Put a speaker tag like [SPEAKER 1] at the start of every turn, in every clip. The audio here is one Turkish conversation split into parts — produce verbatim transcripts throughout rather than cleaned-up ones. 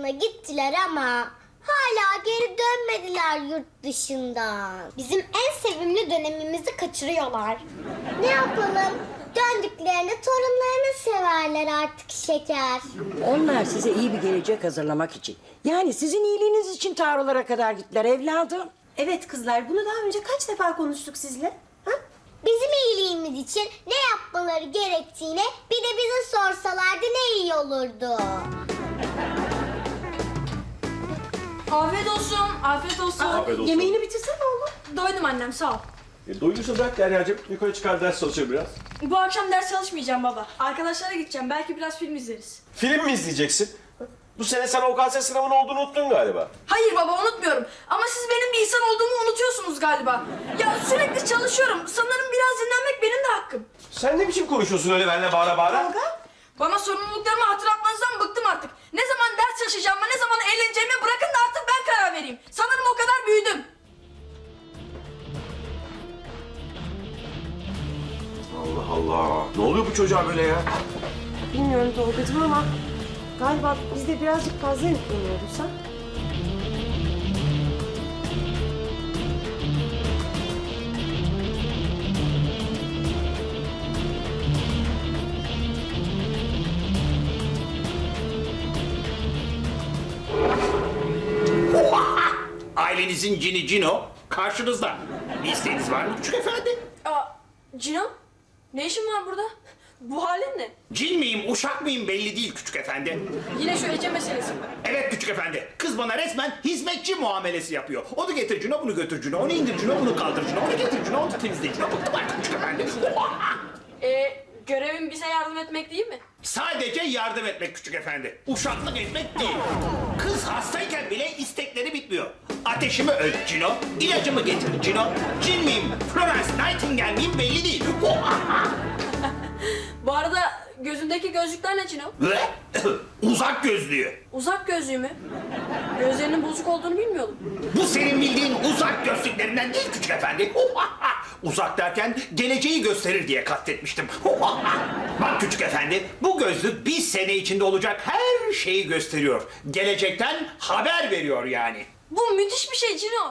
[SPEAKER 1] yurduna gittiler ama hala geri dönmediler yurt dışından. Bizim en sevimli dönemimizi kaçırıyorlar. Ne yapalım? Döndüklerinde torunlarını severler artık şeker.
[SPEAKER 2] Onlar size iyi bir gelecek hazırlamak için. Yani sizin iyiliğiniz için Tarlalara kadar gittiler evladım.
[SPEAKER 3] Evet kızlar, bunu daha önce kaç defa konuştuk sizle? Ha?
[SPEAKER 1] Bizim iyiliğimiz için ne yapmaları gerektiğine bir de bize sorsalardı ne iyi olurdu.
[SPEAKER 4] Afiyet olsun, afiyet olsun.
[SPEAKER 5] Afiyet olsun.
[SPEAKER 3] Yemeğini bitirsene oğlum.
[SPEAKER 4] Doydum annem, sağ ol.
[SPEAKER 5] E, doyduysa bırak Derya'cığım. Yukarı çıkar ders çalışır biraz.
[SPEAKER 4] Bu akşam ders çalışmayacağım baba. Arkadaşlara gideceğim, belki biraz film izleriz.
[SPEAKER 5] Film mi izleyeceksin? Bu sene sen O K S sınavının olduğunu unuttun galiba.
[SPEAKER 4] Hayır baba, unutmuyorum. Ama siz benim bir insan olduğumu unutuyorsunuz galiba. Ya sürekli çalışıyorum. Sanırım biraz dinlenmek benim de hakkım.
[SPEAKER 5] Sen ne biçim konuşuyorsun öyle benimle bağıra bağıra?
[SPEAKER 4] Bana sorumluluklarımı hatırlatmanızdan bıktım artık. Ne zaman ders çalışacağımı, ne zaman eğleneceğimi bırakın da artık ben karar vereyim. Sanırım o kadar büyüdüm.
[SPEAKER 5] Allah Allah. Ne oluyor bu çocuğa böyle ya?
[SPEAKER 3] Bilmiyorum Tolga'cığım ama galiba biz de birazcık fazla yükleniyoruz ha?
[SPEAKER 6] Ailenizin cini Cino karşınızda. Bir isteğiniz var mı küçük efendi?
[SPEAKER 4] Aa, Cino, ne işin var burada? Bu halin ne?
[SPEAKER 6] Cin miyim, uşak mıyım belli değil küçük efendi.
[SPEAKER 4] Yine şu Ece meselesi mi?
[SPEAKER 6] Evet küçük efendi, kız bana resmen hizmetçi muamelesi yapıyor. Onu getir Cino, bunu götür Cino, onu indir Cino, bunu kaldır Cino, onu getir Cino, onu temizle Cino. Bıktım artık küçük efendi.
[SPEAKER 4] Ee, görevim bize yardım etmek değil mi?
[SPEAKER 6] Sadece yardım etmek küçük efendi. Uşaklık etmek değil. Kız hastayken bile istekleri bitmiyor. Ateşimi ölç Cino, ilacımı getir Cino. Cin miyim, Florence Nightingale miyim belli değil.
[SPEAKER 4] Bu arada gözündeki gözlükler ne Cino?
[SPEAKER 6] Ve uzak gözlüğü.
[SPEAKER 4] Uzak gözlüğü mü? Gözlerinin bozuk olduğunu bilmiyordum.
[SPEAKER 6] Bu senin bildiğin uzak gözlüklerinden değil küçük efendi. Uzak derken geleceği gösterir diye kastetmiştim. Bak küçük efendi, bu gözlük bir sene içinde olacak her şeyi gösteriyor. Gelecekten haber veriyor yani.
[SPEAKER 4] Bu müthiş bir şey Cino.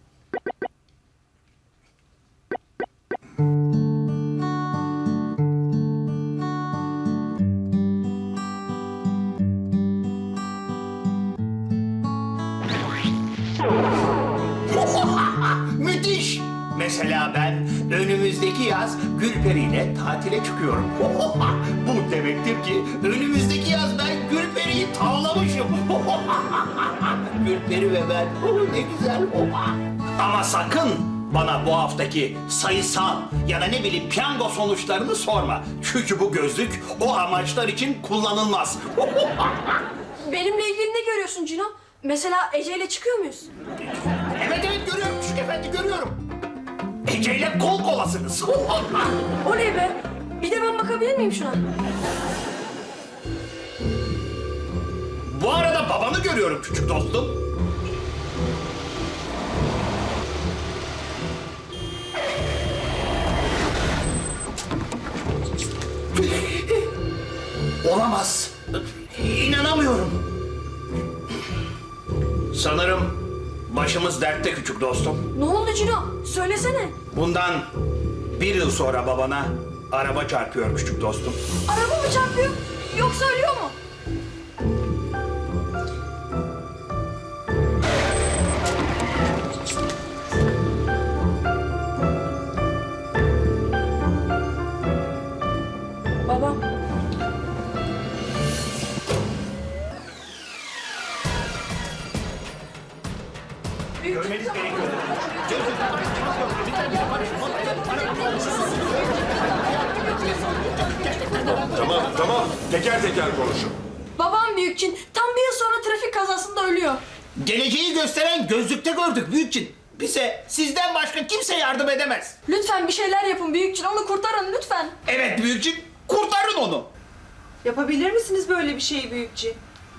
[SPEAKER 6] Müthiş! Mesela ben önümüzdeki yaz Gülperi ile tatile çıkıyorum. Bu demektir ki önümüzdeki yaz ben Gülperi'yi tavlamışım. Gülperi ve ben, ne güzel. Ama sakın bana bu haftaki sayısal ya da ne bileyim piyango sonuçlarını sorma. Çünkü bu gözlük o amaçlar için kullanılmaz.
[SPEAKER 4] Benimle ilgili ne görüyorsun Cino? Mesela Ece ile çıkıyor muyuz?
[SPEAKER 6] Evet evet görüyorum küçük efendi görüyorum. Ece ile kol kolasınız.
[SPEAKER 4] O ne be? Bir de ben bakabilir miyim şuna?
[SPEAKER 6] Bu arada babanı görüyorum küçük dostum. Olamaz. İnanamıyorum. Sanırım başımız dertte küçük dostum.
[SPEAKER 4] Ne oldu Cino? Söylesene.
[SPEAKER 6] Bundan bir yıl sonra babana araba çarpıyor küçük dostum.
[SPEAKER 4] Araba mı çarpıyor? Yoksa ölüyor mu? Babam.
[SPEAKER 6] Görmeniz gerekiyor.
[SPEAKER 5] Tamam tamam. Teker teker konuşun.
[SPEAKER 4] Babam Büyükçin tam bir yıl sonra trafik kazasında ölüyor.
[SPEAKER 6] Geleceği gösteren gözlükte gördük Büyükçin. Bize sizden başka kimse yardım edemez.
[SPEAKER 4] Lütfen bir şeyler yapın Büyükçin, onu kurtarın lütfen.
[SPEAKER 6] Evet Büyükçin, kurtarın onu.
[SPEAKER 3] Yapabilir misiniz böyle bir şeyi büyükçe?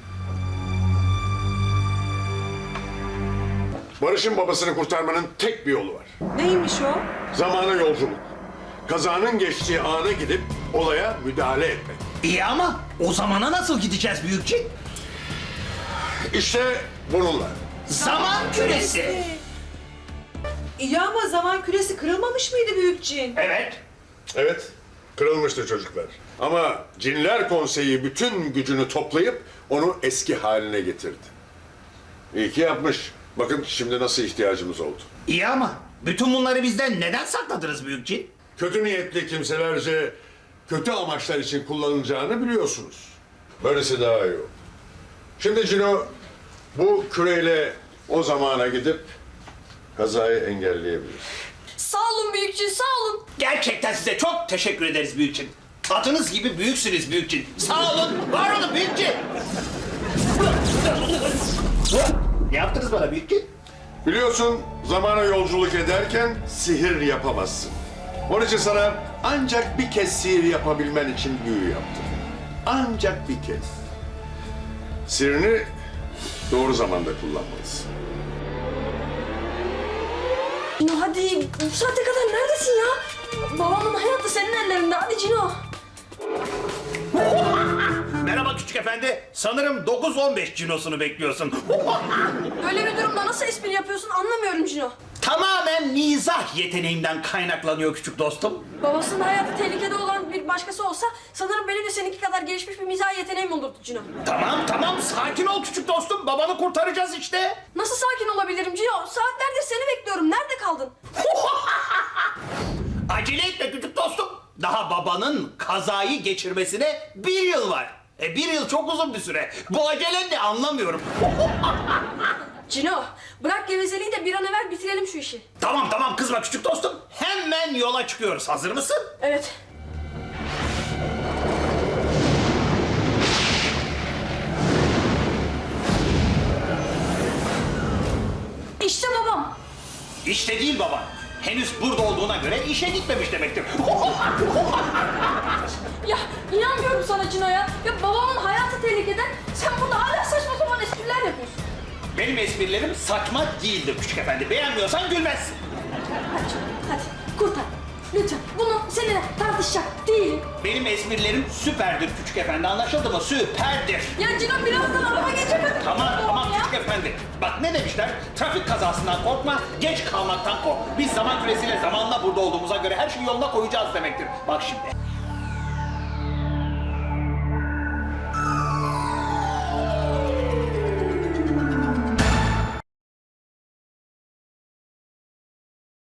[SPEAKER 7] Barış'ın babasını kurtarmanın tek bir yolu var.
[SPEAKER 3] Neymiş o?
[SPEAKER 7] Zamana yolculuk. Kazanın geçtiği ana gidip olaya müdahale etmek.
[SPEAKER 6] İyi ama o zamana nasıl gideceğiz Büyükçin?
[SPEAKER 7] İşte bununla.
[SPEAKER 6] Zaman küresi.
[SPEAKER 8] İyi ama zaman küresi kırılmamış mıydı büyük cin?
[SPEAKER 6] Evet.
[SPEAKER 7] Evet, kırılmıştı çocuklar. Ama Cinler Konseyi bütün gücünü toplayıp onu eski haline getirdi. İyi ki yapmış. Bakın şimdi nasıl ihtiyacımız oldu.
[SPEAKER 6] İyi ama bütün bunları bizden neden sakladınız büyük cin?
[SPEAKER 7] Kötü niyetli kimselerce kötü amaçlar için kullanılacağını biliyorsunuz. Böylesi daha iyi oldu. Şimdi Cino bu küreyle o zamana gidip kazayı engelleyebilir.
[SPEAKER 4] Sağ olun büyük cin, sağ olun.
[SPEAKER 6] Gerçekten size çok teşekkür ederiz büyük cin. Adınız gibi büyüksünüz büyük cin. Sağ olun, var olun büyük cin. Ne yaptınız bana büyük cin?
[SPEAKER 7] Biliyorsun zamana yolculuk ederken sihir yapamazsın. Onun için sana ancak bir kez sihir yapabilmen için büyü yaptım. Ancak bir kez. Sihirini doğru zamanda kullanmalısın.
[SPEAKER 4] Cino hadi, bu saate kadar neredesin ya? Babamın hayatı senin ellerinde, hadi Cino.
[SPEAKER 6] Merhaba küçük efendi. Sanırım dokuz on beş cinosunu bekliyorsun.
[SPEAKER 4] Böyle bir durumda nasıl espri yapıyorsun anlamıyorum Cino.
[SPEAKER 6] Tamamen mizah yeteneğimden kaynaklanıyor küçük dostum.
[SPEAKER 4] Babasının hayatı tehlikede olan bir başkası olsa sanırım benim de seninki kadar gelişmiş bir mizah yeteneğim olurdu Cino.
[SPEAKER 6] Tamam tamam sakin ol küçük dostum. Babanı kurtaracağız işte.
[SPEAKER 4] Nasıl sakin olabilirim Cino? Saatlerdir seni bekliyorum. Nerede kaldın?
[SPEAKER 6] Acele etme küçük dostum. Daha babanın kazayı geçirmesine bir yıl var. E bir yıl çok uzun bir süre. Bu acelen ne anlamıyorum.
[SPEAKER 4] Cino, bırak gevezeliği de bir an evvel bitirelim şu işi.
[SPEAKER 6] Tamam tamam kızma küçük dostum. Hemen yola çıkıyoruz. Hazır mısın?
[SPEAKER 4] Evet. İşte babam.
[SPEAKER 6] İşte değil baba. Henüz burada olduğuna göre işe gitmemiş demektir.
[SPEAKER 4] Ya inanmıyorum sana Cino ya. Ya babamın hayatı tehlikede. Sen burada hala saçma sapan espriler yapıyorsun.
[SPEAKER 6] Benim esprilerim saçma değildir küçük efendi. Beğenmiyorsan gülmezsin.
[SPEAKER 4] Hadi Cino, hadi kurtar. Lütfen bunu seninle tartışacak değilim.
[SPEAKER 6] Benim esprilerim süperdir küçük efendi. Anlaşıldı mı? Süperdir.
[SPEAKER 4] Ya Cino birazdan araba geçecek hadi.
[SPEAKER 6] Tamam tamam
[SPEAKER 4] ya.
[SPEAKER 6] küçük efendi. Bak ne demişler? Trafik kazasından korkma, geç kalmaktan kork. Biz zaman küresiyle zamanla burada olduğumuza göre her şeyi yoluna koyacağız demektir. Bak şimdi.